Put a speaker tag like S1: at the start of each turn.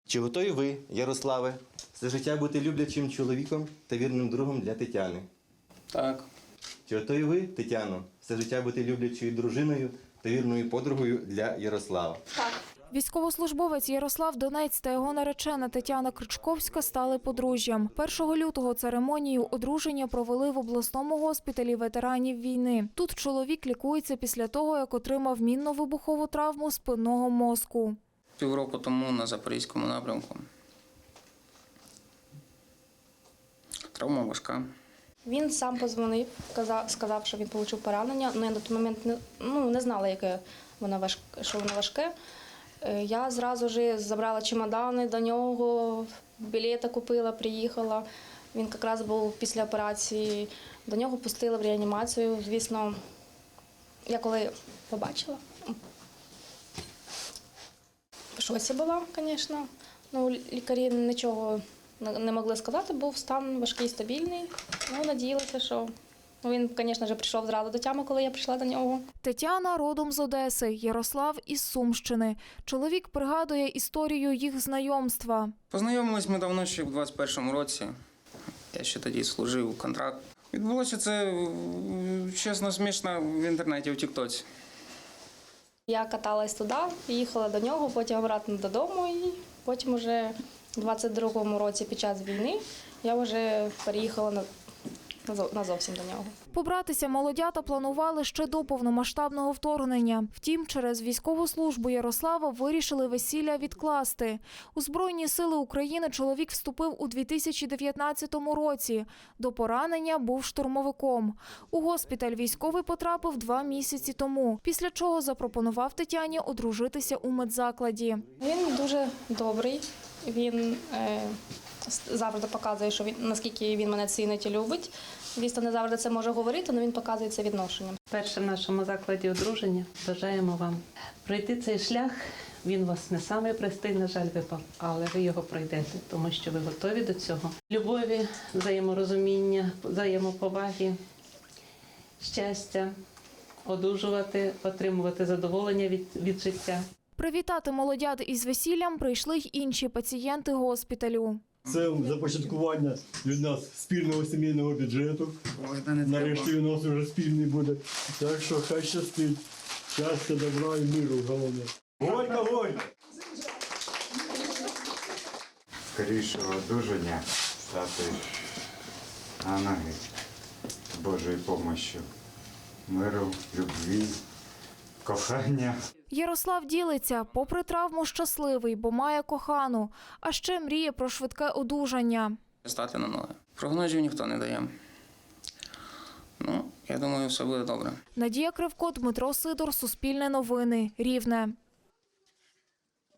S1: Чи готові ви, Ярославе, все життя бути люблячим чоловіком та вірним другом для Тетяни?
S2: Так.
S1: Чи готові ви, Тетяно, все життя бути люблячою дружиною та вірною подругою для Ярослава?
S3: Так.
S4: Військовослужбовець Ярослав Донець та його наречена Тетяна Кричковська стали подружжям. 1 лютого церемонію одруження провели в обласному госпіталі ветеранів війни. Тут чоловік лікується після того, як отримав мінно-вибухову травму спинного мозку.
S2: Півроку тому на Запорізькому напрямку. Травма важка.
S3: Він сам подзвонив, сказав, що він отримав поранення. Я на той момент не знала, що воно важке. Я зразу ж забрала чемодани до нього, білети купила, приїхала. Він якраз був після операції. До нього пустили в реанімацію. Звісно, я коли побачила, в шоці була, звісно. Лікарі нічого не могли сказати, був стан важкий, стабільний. Надіялася, що він, звісно ж, прийшов зразу до тями, коли я прийшла до нього.
S4: Тетяна родом з Одеси, Ярослав із Сумщини. Чоловік пригадує історію їх знайомства.
S2: Познайомились ми давно, ще в 21-му році. Я ще тоді служив контракт. Відбулося це, чесно, смішно в інтернеті, в Тіктоці.
S3: Я каталась туди, їхала до нього, потім обратно додому і потім вже у 22-му році під час війни я вже переїхала назовсім до нього.
S4: Побратися молодята планували ще до повномасштабного вторгнення. Втім, через військову службу Ярослава вирішили весілля відкласти. У Збройні сили України чоловік вступив у 2019 році. До поранення був штурмовиком. У госпіталь військовий потрапив 2 місяці тому, після чого запропонував Тетяні одружитися у медзакладі.
S3: Він дуже добрий, він завжди показує, наскільки він мене цінить і любить. Звісно, не завжди це може говорити, але він показує це відношенням.
S5: Перше в нашому закладі одруження. Бажаємо вам пройти цей шлях. Він у вас не самий простий, на жаль, випав, але ви його пройдете, тому що ви готові до цього. Любові, взаєморозуміння, взаємоповаги, щастя, одужувати, отримувати задоволення від життя.
S4: Привітати молодят із весіллям прийшли й інші пацієнти госпіталю.
S6: Це започаткування від нас спільного сімейного бюджету. Нарешті він у нас вже спільний буде. Так що хай щастить. Щастя, добра і миру головне. Горько, горько!
S7: Скорішого одужання стати на ноги з Божою допомогою. Миру, любві, кохання.
S4: Ярослав ділиться, попри травму щасливий, бо має кохану, а ще мріє про швидке одужання.
S2: Стати на ноги. Прогнозів ніхто не дає. Я думаю, все буде добре.
S4: Надія Кривко, Дмитро Сидор, Суспільне новини, Рівне.